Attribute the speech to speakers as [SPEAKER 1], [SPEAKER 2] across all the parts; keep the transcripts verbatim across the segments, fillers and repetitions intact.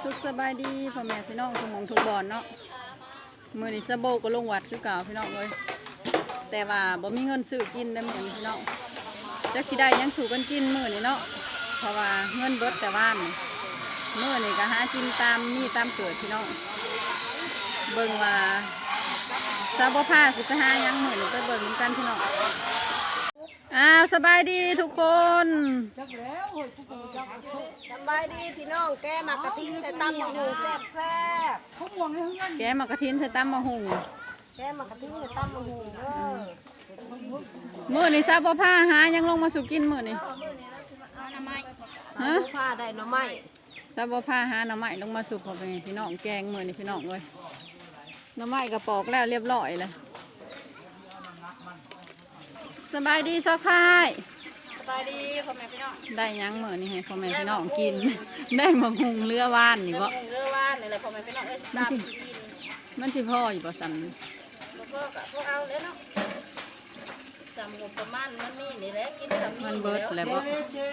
[SPEAKER 1] สุขสบายดีพ่อแม่พี่น้องทุกหม่องทุกบอนเนาะมือนี้สะโบก็ลงวัดคือเก่าพี่น้องเลยแต่ว่าบ่มีเงินซื้อกินได้มือนี้พี่น้องจะคิดได้ยังสู่กันกินมือนี้เนาะเพราะว่าเงินเบิดแต่ว่านมือนี้ก็หากินตามมีตามเกิดพี่น้องเบิ่งว่าซาบ่ผ้าสิไปหายังมือนี้ไปเบิ่งกันพี่น้องอ้าวสบายดีทุกคน
[SPEAKER 2] สบายดีพี่น้องแกมากระทินใส่ตำมะฮุงแซ่บแซ่บ
[SPEAKER 1] แกมากระทินใส่ตำมะฮุง
[SPEAKER 2] แกมากระทินใส่ตำมะฮุงเด้อ
[SPEAKER 1] มือนี่ซาบ่ผ้าหายังลงมาสู่กินมือนี่ฮะ
[SPEAKER 2] ผ้าได้หน่อไม้
[SPEAKER 1] ซาบ่ผ้าหาหน่อไม้ลงมาสู่พอเป็นพี่น้องแกงมือนี่พี่น้องเลยหน่อไม้กระปอกแล้วเรียบร้อยเลยสบายดีซอกพาย
[SPEAKER 2] สบายดีพ่อแม่พี่น้อง
[SPEAKER 1] ได้ยังมือนี่ให้พ่อแม่พี่น้องกินได้มะฮุงเรือว่านนี่บ่
[SPEAKER 2] เรือว่านนี่แหละพ่อแม่พี่น้องเอ้ยตามกิน
[SPEAKER 1] มันสิพ่ออยู่บ่สั่น
[SPEAKER 2] พ่อกับพ่อเอาเลยเนาะจำงบประมาณมันมีนี่แหละกินสามี
[SPEAKER 1] มันเบิดแล้วบ่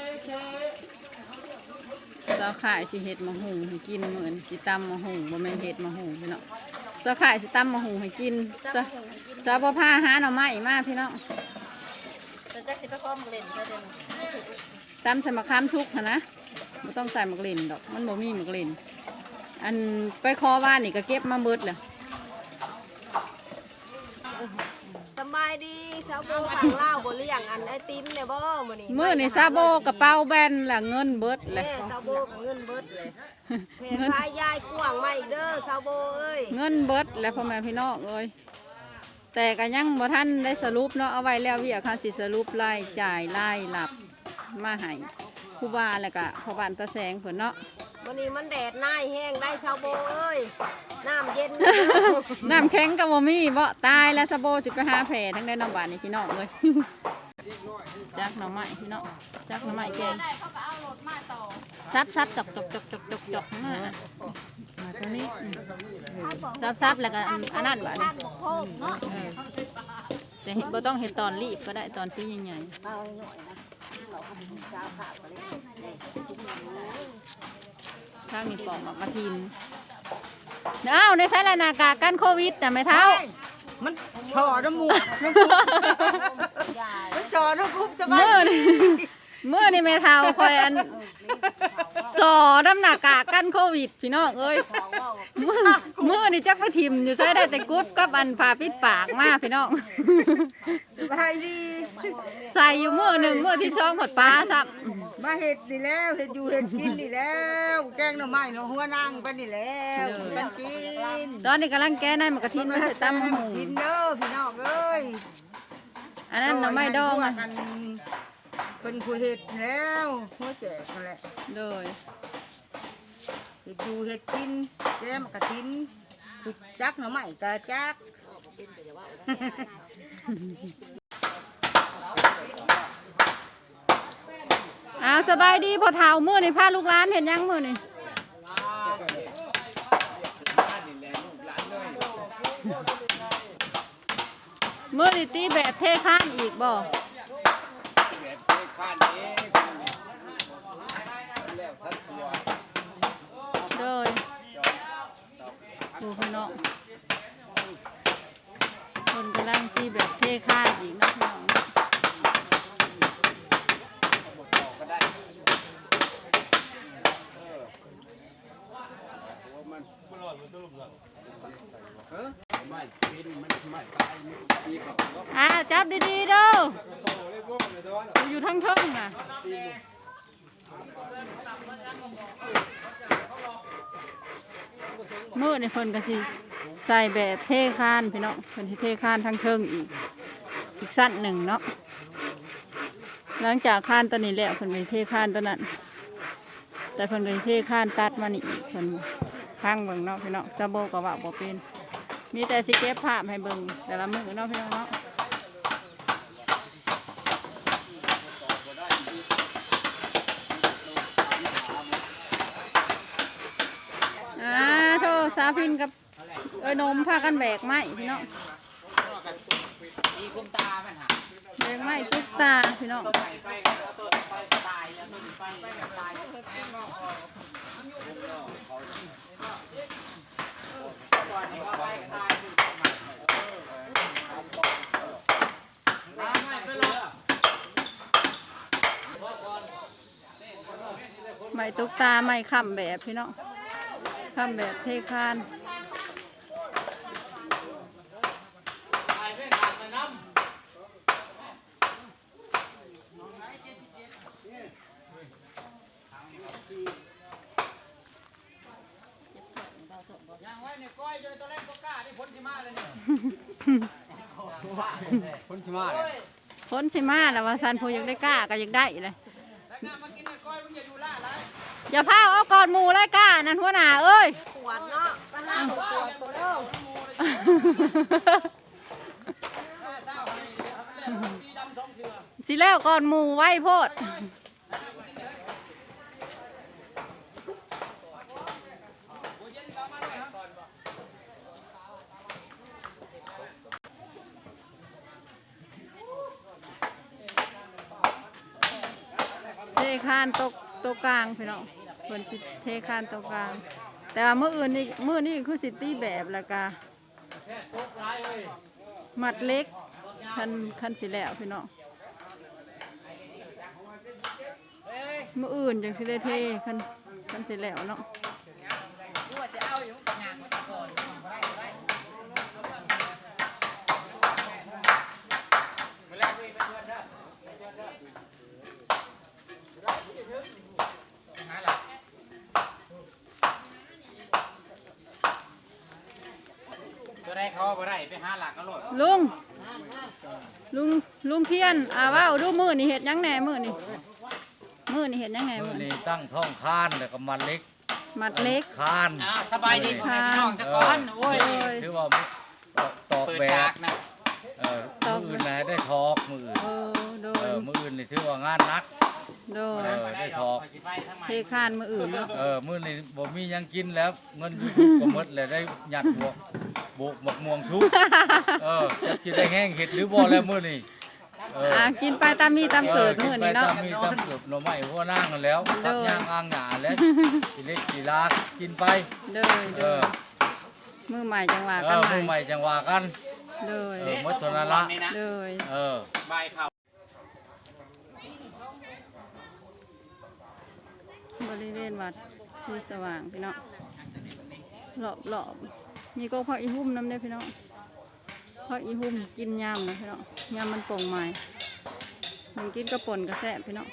[SPEAKER 1] ซอกขายสิเฮ็ดมะฮุงให้กินมื้อนี้สิตำมะฮุงบ่แม่นเฮ็ดมะฮุงพี่น้องซอกขายสิตำมะฮุงให้กินซะซาบ่พาหาหน่อไม้มาพี่น้อง
[SPEAKER 2] จะจักสิไปพร้อมเล่นก็เด่น
[SPEAKER 1] ตำใส่มะขามชุกนะนะไม่ต้องใส่มะกลิ่นดอกมันบ่มีมะกลิ่นอันไปคอว่านนี่ก็เก็บมาเบิดเลย
[SPEAKER 2] สบายดีซาโบฝั่งลาวบ่เลี้ยงอันไอติมเนี่ยบ่มื้อนี้
[SPEAKER 1] มื้อนี่ซาโบกระเป๋าแบนละเงินเบิดเลย
[SPEAKER 2] ซาโบกับเงินเบิดเลยเงินพายายกว้างมาอีกเด้อซาโบเอ้ย
[SPEAKER 1] เงินเบิดแล้วพ่อแม่พี่น้องเอ้ยแต่ก็ยังบ่ทันได้สรุปเนาะเอาไว้แล้ววิอาคารสิสรุปรายจ่ายรายหลับมาให้ครูบาแล้วก็พ่อบ้านตาแสงเพิ่นเนาะ
[SPEAKER 2] วันนี้มันแดดหน้าแห้งได้ซาโบเอ้ยน้ำเย็น
[SPEAKER 1] น้ำแข็งก็บ่มีบ่ตายแล้วซาโบสิไปหาแผลทั้งได้น้ำบานนี่พี่น้องเลยจักหน่อไม้พี่น้องจักหน่อไม้แกงซับซับจกจกจกจกจกจกมาตัวนี้ซับซับแล้วก็อันนั้นบ้านแต่เห็นบ่ต้องเห็นตอนรีบก็ได้ตอนที่ใหญ่ๆข้างนี้ปอกมากระทินอ้าวในสายหน้ากากกันโควิดแต่ไม่เท่า
[SPEAKER 2] มันชอน้ำมูกมันชอน้ำคุบสบาย
[SPEAKER 1] เมื่อนี่เมื่อนี่ไม่เท่าคอยอันสอน้ำหน้ากากกันโควิดพี่น้องเอ้ยเมื่อเมื่อนี่จักไปทิมอยู่ใช้ได้แต่กุ๊บกับอันผ่าปิดปากมากพี่น้อง
[SPEAKER 2] สบายดี
[SPEAKER 1] ใส่อยู่เมื่อหนึ่งเมื่อที่ช่องหดปลาซับ
[SPEAKER 2] มาเห็ดนี่แล้วเห็ดอยู่เห็ดกินนี่แล้วแกงหน่อไม้หน่อหัวนั่งไปนี่แล้วมันกิน
[SPEAKER 1] ตอนนี้กำลังแก้ในมะกระทินมาใส่ตั้มหมู
[SPEAKER 2] กินเด้อพี่น้องเอ้ย
[SPEAKER 1] อันนั้นหน่อไม้ดองอ่ะ
[SPEAKER 2] เป็นผู้เห็ดแล้วหัวแจกนั่นแหละ
[SPEAKER 1] โดย
[SPEAKER 2] เห็ดอยู่เห็ดกินแก้มกระทินจักหน่อไม้กระจัก
[SPEAKER 1] อ้าวสบายดีพอเท้ามือนี่พาลูกหลานเห็นยังมือนี่มือนี่ตีแบบเทข้านอีกบ่โดยดูพี่น้องคนกำลังตีแบบเทข้านอีกนะพี่น้องอ่าจับดีๆเด้ออยู่ทั้งท่องน่ะมือในคนก็สิใส่แบบเทคานพี่น้องคนที่เทคานทั้งเทิงอีกอีกสั้นหนึ่งเนาะหลังจากคานตัวนี้แล้วคนไปเทคานตัวนั้นแต่คนก็เทคานตัดมานี่อีกคนข้างเบิ่งเนาะพี่น้องจะโบกับว่าบ่เป็นมีแต่สิเก็บภาพให้เบิ่งแต่ละมือเนาะพี่น้องเนาะอ่าโทษสาพินกับเอ้ยนมพากันแบกไม้พี่น้องแบกไม้ตุ๊กตาพี่น้อง
[SPEAKER 2] เ
[SPEAKER 1] ม้ตุกตาไม้ค้ำแบบพี่น้องค้ำแบบเทคาน
[SPEAKER 3] ยังไว้ในก้อยจนตัวเล่นตัวกล้าที่พ้นชิมาเลยเนี่ยพ้นชิมาเลย
[SPEAKER 1] พ้นสิมาแล้วว่าซันพูยังได้กล้าก็ยังได้เลย
[SPEAKER 3] แล้วงานมากินในก้อยมึงอย่าดูล่าไร
[SPEAKER 1] อย่าพาเอาก่อนหมูเลยกล้านั่นหัวหน้าเอ้ย
[SPEAKER 2] ปวดเนาะปัญหาปวดปวดเด้อ
[SPEAKER 3] เศร้าให้สีดำสองเถื่อ
[SPEAKER 1] สิแล้วก่อนหมูไว้โพดเทคานตกตกกลางพี่น้องคนสิเทคานตกกลาง แต่ว่าเมื่ออื่นนี่เมื่อนี่คือสิตี้แบบแล้วก็มัดเล็กคันคันสิแล้วพี่น้องเมื่ออื่นจังสิได้เทคันคันสิแล้วเนาะ
[SPEAKER 3] ตัวแรกเขาบ่ได้ไปหาหลักก็โลด
[SPEAKER 1] ลุงลุงลุงเพียนอ่าว่าดูมือนี่เห็ดยังแหน่มือนี่มือนี่เห็ดยังไง
[SPEAKER 4] มื
[SPEAKER 1] มื
[SPEAKER 4] อ
[SPEAKER 1] อนี่
[SPEAKER 4] นี้ตั้งท้องคานแล้วก็มันเล็ก
[SPEAKER 1] มัดเล็ก
[SPEAKER 4] คาน
[SPEAKER 3] อ่าสบายดีพ่อแม่พี่น้องจักก่อนโอ้ย
[SPEAKER 4] ถือว่าตอก
[SPEAKER 3] เปิด
[SPEAKER 4] แบ
[SPEAKER 3] ฉา
[SPEAKER 4] บ
[SPEAKER 3] กนะ
[SPEAKER 4] เออมืออื่นนะได้ทอกมืออื่น
[SPEAKER 1] เออโด
[SPEAKER 4] เอย อมืออื่นนี่ถือว่างานหนัก
[SPEAKER 1] โด
[SPEAKER 4] เอย อได้ทอก
[SPEAKER 1] เทคานมืออื่นเนาะ
[SPEAKER 4] เออมือนี้บ่มีหยังกินแล้วเงินยูทูบก็หมดเลยได้หยัดบวกบวกหมกม่วงชุบเออจะสิได้แห้งเห็ดหรือบ่แล้วมื้อนี้เออ
[SPEAKER 1] อ่ากินไปตามมีตามเกิดมือนี่เนาะ
[SPEAKER 4] ไปตามมีตามเกิดหน่อไม้หัวนั่งกันแล้ว
[SPEAKER 1] โด
[SPEAKER 4] ตัด
[SPEAKER 1] ย
[SPEAKER 4] ย่างอ่างหญ้าแล้วกินเล็กกินลากินไป
[SPEAKER 1] โดยโด
[SPEAKER 4] เอย อ
[SPEAKER 1] มือใหม่จังหวะ
[SPEAKER 4] เอ
[SPEAKER 1] กัน
[SPEAKER 4] อ
[SPEAKER 1] ให
[SPEAKER 4] มือให
[SPEAKER 1] ม่
[SPEAKER 4] ม่จังว่ากัน
[SPEAKER 1] โดย
[SPEAKER 4] เออหมดเท่านั้นละ
[SPEAKER 1] โดย
[SPEAKER 4] เออ
[SPEAKER 3] ใบเขา
[SPEAKER 1] บริเวณวัดที่สว่างพี่น้องหลอบหลอบมีก็พักอีหุ่มน้ำได้อพี่น้องพักอีหุ่มกินยำนะพี่น้องยำมันโป่งใหม่มันกินกระป่นกระแสบพี่น้อง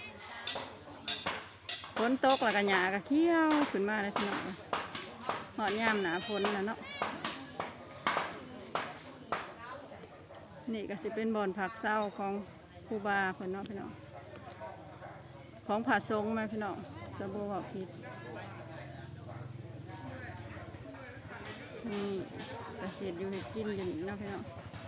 [SPEAKER 1] ฝนตกแล้วกันหยากระเขี้ยวขึ้นมาเลยพี่น้องหอดยำหนาฝนแล้วเนาะนี่ก็สิเป็นบ่อนผักเศร้าของครูบาเพิ่นเนาะพี่น้องของผาทรงมาพี่น้องสบู่บอกผิดนี่กระเสียดอยู่ให้กินอยู่นี่เนาะพี่น้อง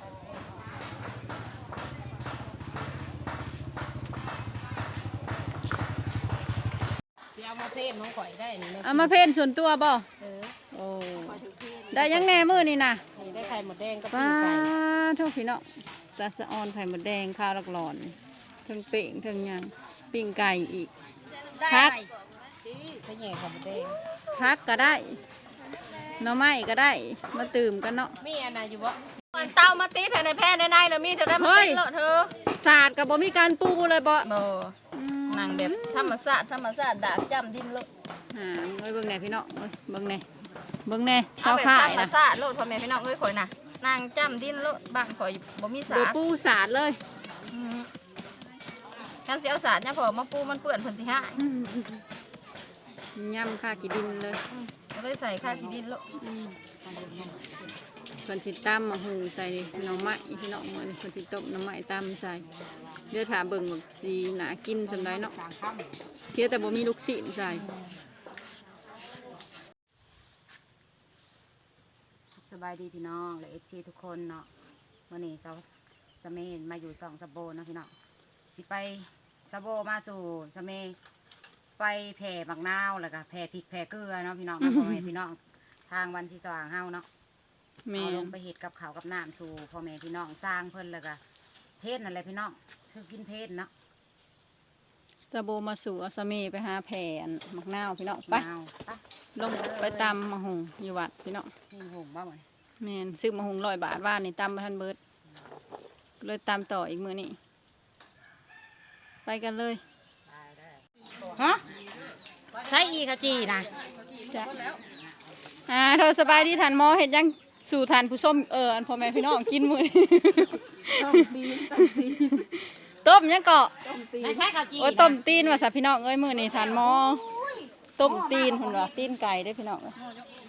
[SPEAKER 2] เอามาเทศน้องข่อยได้นี่
[SPEAKER 1] เอามาเพ่นส่วนตัวบ่
[SPEAKER 2] เออ
[SPEAKER 1] โอ้ได้ยังแหน่มือนี่นะ
[SPEAKER 2] นี่ได้ไข่หมดแดงกับ
[SPEAKER 1] ป้า
[SPEAKER 2] ปิ้งไก่
[SPEAKER 1] โทษพี่น้องตาสะออนไข่หมดแดงข้าวลักหลอนทั้งเป่งทั้งหยังปิ้งไก่อีกพัก
[SPEAKER 2] ไปแย่ไข่หมดแดง
[SPEAKER 1] พักก็ได้หน่อไม้ก็ได้มาตื่มกันเนาะ
[SPEAKER 2] มีอันไหนอยู่บ่มันเต้ามาตีเธอในแพร่ในในเนาะมีเธอได้มาตีเลาะเธอ
[SPEAKER 1] ศาสตร์กับบ่มีการปูเลยบ่
[SPEAKER 2] บ่
[SPEAKER 1] อืม
[SPEAKER 2] นั่งแบบธรรมชาติธรรมชาติดากจ้ำดินโลด
[SPEAKER 1] อ่าเอ้ยเบิ่งแหน่พี่น้องเอ้ยเบิ่งแหน่เบิ่งแหน่
[SPEAKER 2] เอา
[SPEAKER 1] เช้า
[SPEAKER 2] แบบ
[SPEAKER 1] ข่า
[SPEAKER 2] ธ
[SPEAKER 1] ย
[SPEAKER 2] รรม
[SPEAKER 1] นะ
[SPEAKER 2] ชาติโลดพ่อแม่พี่น้องเอ้ยข่อยน่ะนั่งจ้ำดินโลดบ้านข่อยบ่มีสา
[SPEAKER 1] บ่
[SPEAKER 2] ด
[SPEAKER 1] ปูศาสตร์เลย
[SPEAKER 2] อืมกันสิเอาสาดเนี่ยพอมาปูมันเปื้อนเพิ่นสิหาย
[SPEAKER 1] อืมย่ำค่ากี่ดินเลย
[SPEAKER 2] ก็เลยใส่ข้าวขี้ดินโลด
[SPEAKER 1] อืมเพิ่นสิตำมาหุงใส่หน่อไม้พี่น้องมื้อนี้เพิ่นสิต้มหน่อไม้ตำใส่เดี๋ยวถาเบิ่งว่าสิหนากินสำไดเนาะเพียงแต่บ่มีลูกศิษย์ใส่
[SPEAKER 5] สบายดีพี่น้องและเอฟซีทุกคนเนาะวันนี้เสาสะเมนมาอยู่สองสะโบเนาะพี่น้องสิไปสะโบมาสู่สะเมไปแผ่บักนาวแล้วก็แผ่พริกแผ่เกลือเนาะพี่น้อง พ่อแม่พี่น้องทางวันสีสว่างเฮาเนาะ
[SPEAKER 1] แม่
[SPEAKER 5] เอาลงไปเห็ดกับข้าวกับน้ำสู่พ่อแม่พี่น้องสร้างเพิ่นแล้วก็เพศนั่นแหละพี่น้องคือกินเพศเนาะ
[SPEAKER 1] จะโบมาสู่อาสเมไปหาแผ่นมักนาวพี่น้องไป
[SPEAKER 5] นาวไป
[SPEAKER 1] ลงไปตำมาหุงอยู่วัดพี่น้อง
[SPEAKER 5] นี่หงบ้าเหมือน
[SPEAKER 1] แม่นซื้อมาหุงร้อยบาทว่านี่ตำมาทันเบิดเลยตำต่ออีกมื้อนี้ไปกันเลย
[SPEAKER 5] ฮะใช้อีกะจีนะ
[SPEAKER 1] จ้ะอ่าเธอสบายดีทานหมอเฮ็ดยังสู่ทานผู้ชมเอออันพ่อแม่พี่น้องกินมื้อนี้
[SPEAKER 2] ต้มตีนต้มตีน
[SPEAKER 1] ต้มยังเกาะ
[SPEAKER 2] ต้มตีน
[SPEAKER 5] ใช้ใช้กะจี
[SPEAKER 1] โอ้ยต้มตีนว่าซะพี่น้องเอ้ยมื้อนี้ทานหมอต้มตีนเพิ่นว่าตีนไก่เด้อพี่น้องเอ้ย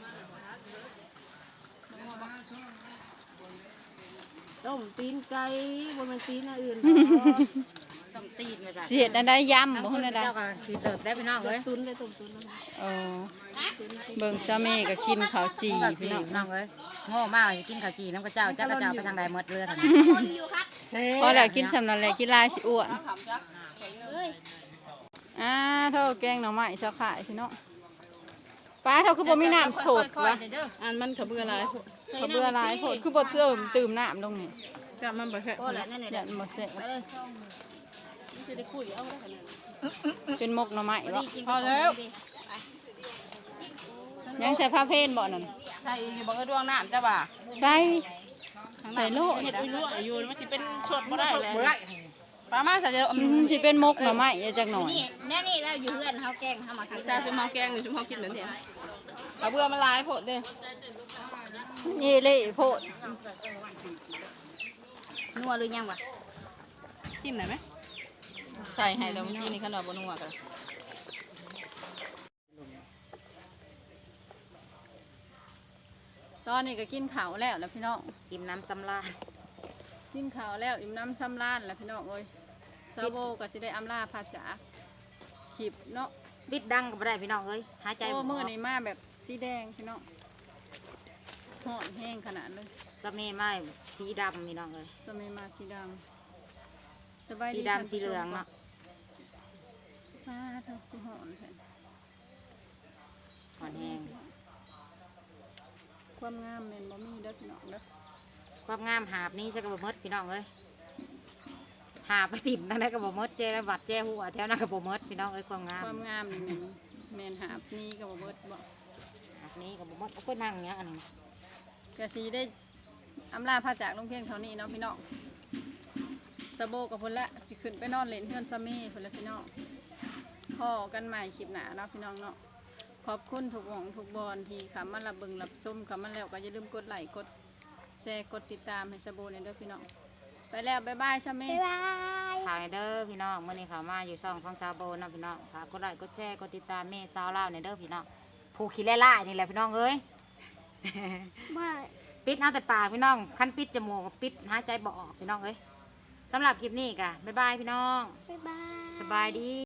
[SPEAKER 2] ต้มตีนไก่บ่แม่นตีนอันอื่น
[SPEAKER 5] ต้มตีนมาจ้ะ
[SPEAKER 1] สิเฮ็ดอันใดยำบ่ฮู้อันใด
[SPEAKER 5] เจ้าก็คือเลิกได้พี่น้องเอ้ย
[SPEAKER 2] ตุนเลยต้มตุนเลย
[SPEAKER 1] เออเบิ่งซาเมก็กินข้าวจี
[SPEAKER 5] ข้าว
[SPEAKER 1] พี่
[SPEAKER 5] จี
[SPEAKER 1] น้อง
[SPEAKER 5] พี่น้องเอ้ยโง่มากกินข้าวจีน้ำกระเจ้าจ้ากระเจ้าไปทางใดหมดเรือทางนี้
[SPEAKER 1] พอแล้วกินสำนั้นแหละกินหลายสิอ้วนอ่าเท่าแกงหน่อไม้เจ้าขายพี่น้องป้าเท่าคือบ่มีน้ำสดวะอันมันเขาเบื่อหลายโพดเขาเบื่อหลายโพดคือบ่เติมตื่มน้ำลงนี่ก็มันบ่แซ่บยันบ่แซ่บเป็นมกหน่อไม้วะพอแล้วยังใส่ผ้าเพนบ่นั่น
[SPEAKER 2] ใช่อยู่บ่ก็ดวงน้ำจ้ะบ่า
[SPEAKER 1] ใส่ใส่โล
[SPEAKER 2] เฮ็ดอุ้ยรั่วอยู่มันสิเป็นชดบ่ได้แล้ว
[SPEAKER 1] ปลามาใส่เดี๋ยวอืมสิเป็นมกหน่อไม้อย่าจักหน่อย
[SPEAKER 6] นี่แน่นี่เราอยู่เพื่อนเขาแกล้งเขามากิน
[SPEAKER 2] จ้าจะมาแกงหรือจะมากินเหมือนเดิมเอาเบื่อมันลายโพดเด้
[SPEAKER 1] นี่เละโพด
[SPEAKER 6] นัวหรือยังวะ
[SPEAKER 2] จิ้มหน่อยไหมใส่ให้แล้วเมื่อกี้นี่ขนมบนัวกัน
[SPEAKER 1] ตอนนี้ก็กินข้าวแล้วแล้วพี่น้อง
[SPEAKER 5] อิ่มน้ำสำราญ
[SPEAKER 1] กินข้าวแล้วอิ่มน้ำซ้ำร้านแล้วพี่น้องเอ้ยซาโบก็สิได้อำลาภาษาขีบเนาะ
[SPEAKER 5] บิดดังก็บ่ได้พี่น้องเอ้ยหายใจ
[SPEAKER 1] โอ้
[SPEAKER 5] บ่
[SPEAKER 1] มือนี่มาแบบสีแดงพี่น้องห่อนแห้งขนาดเลย
[SPEAKER 5] สะเมไม้สีดำพี่น้องเอ้ย
[SPEAKER 1] สมัยมาสีดำสบาย
[SPEAKER 5] สี
[SPEAKER 1] ดี
[SPEAKER 5] ดำสีเหลืองเนาะ
[SPEAKER 1] อ่าเท่าคือห่อนแท้
[SPEAKER 5] อ่อนแห้ง
[SPEAKER 1] ความงามแม่นบ่มีเด้อพี่น้องเด้อ
[SPEAKER 5] ความงามหาบนี้ใช่ก็บ่หมดพี่น้องเอ้ยหาบไปสิบนั่นได้ก็บ่หมดเจระบัดเจหัวแถวนั้นก็บ่หมดพี่น้องเอ้ยความงาม
[SPEAKER 1] ความงามนี่แม่นแม่นหาบนี้ก็บ่เบิดบ่
[SPEAKER 5] หาบนี้ก็บ่หมดเอาไปนั่งอย่างเงี้ยอันนี้
[SPEAKER 1] ก็สิได้อำลาพาจากลงเพียงเท่านี้เนาะพี่น้องสะโบกับพุ่นละสิขึ้นไปนอนเล่นเฮือนซามีพุ่นละพี่น้องพอกันใหม่คลิปหน้าเนาะพี่น้องเนาะขอบคุณทุกหม่องทุกบอนที่เข้ามารับเบิ่งรับชมเข้ามาแล้วก็อย่าลืมกดไลค์กดแชร์กดติดตามให้สะโบเนี่ยเด้อพี่น้องไปแล้วบ๊ายบายซามี
[SPEAKER 6] บ๊ายบาย
[SPEAKER 5] ถ่ายเด้อพี่น้องมื้อนี้เขามาอยู่ช่องของชาวโบนะพี่น้องฝากกดไลค์กดแชร์กดติดตามแม่สาวลาวเนี่ยเด้อพี่น้องผู้ขี้ไล่ๆนี่แหละพี่น้องเอ้ย
[SPEAKER 6] บาย
[SPEAKER 5] ปิดเอาแต่ปากพี่น้องคันปิดจมูกก็ปิดหายใจบ่ออกพี่น้องเอ้ยสำหรับคลิปนี้กะบ๊ายบายพี่น้อง
[SPEAKER 6] บ๊ายบาย
[SPEAKER 5] สบายดี